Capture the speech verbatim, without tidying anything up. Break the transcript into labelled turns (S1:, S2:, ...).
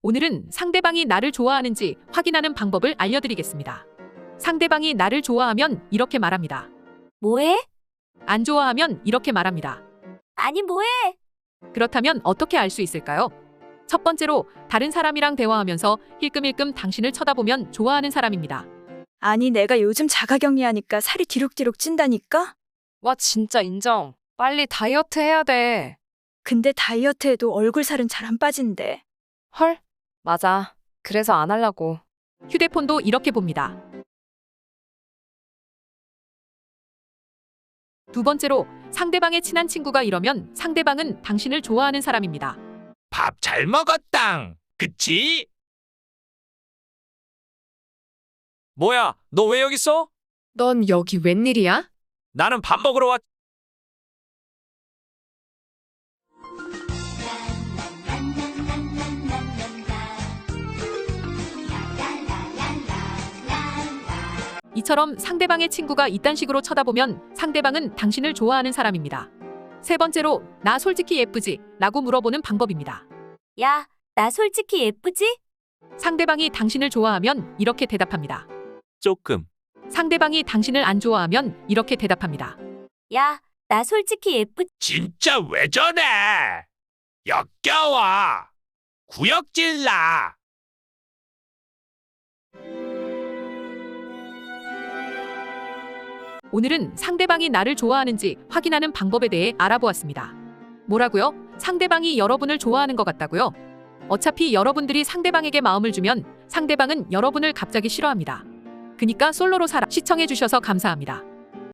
S1: 오늘은 상대방이 나를 좋아하는지 확인하는 방법을 알려드리겠습니다. 상대방이 나를 좋아하면 이렇게 말합니다.
S2: 뭐해?
S1: 안 좋아하면 이렇게 말합니다.
S2: 아니 뭐해?
S1: 그렇다면 어떻게 알 수 있을까요? 첫 번째로 다른 사람이랑 대화하면서 힐끔힐끔 당신을 쳐다보면 좋아하는 사람입니다.
S3: 아니 내가 요즘 자가격리하니까 살이 뒤룩뒤룩 찐다니까?
S4: 와, 진짜 인정. 빨리 다이어트 해야 돼.
S3: 근데 다이어트해도 얼굴 살은 잘 안 빠진대.
S4: 헐? 맞아. 그래서 안 하려고.
S1: 휴대폰도 이렇게 봅니다. 두 번째로 상대방의 친한 친구가 이러면 상대방은 당신을 좋아하는 사람입니다.
S5: 밥 잘 먹었당. 그치? 뭐야, 너 왜 여기 있어?
S4: 넌 여기 웬일이야?
S5: 나는 밥 먹으러 왔...
S1: 이처럼 상대방의 친구가 이딴 식으로 쳐다보면 상대방은 당신을 좋아하는 사람입니다. 세 번째로 나 솔직히 예쁘지? 라고 물어보는 방법입니다.
S2: 야, 나 솔직히 예쁘지?
S1: 상대방이 당신을 좋아하면 이렇게 대답합니다.
S5: 조금.
S1: 상대방이 당신을 안 좋아하면 이렇게 대답합니다.
S2: 야, 나 솔직히 예쁘...
S5: 진짜 왜 저래? 역겨워. 구역질나.
S1: 오늘은 상대방이 나를 좋아하는지 확인하는 방법에 대해 알아보았습니다. 뭐라고요? 상대방이 여러분을 좋아하는 것 같다고요? 어차피 여러분들이 상대방에게 마음을 주면 상대방은 여러분을 갑자기 싫어합니다. 그니까 솔로로 살아. 시청해주셔서 감사합니다.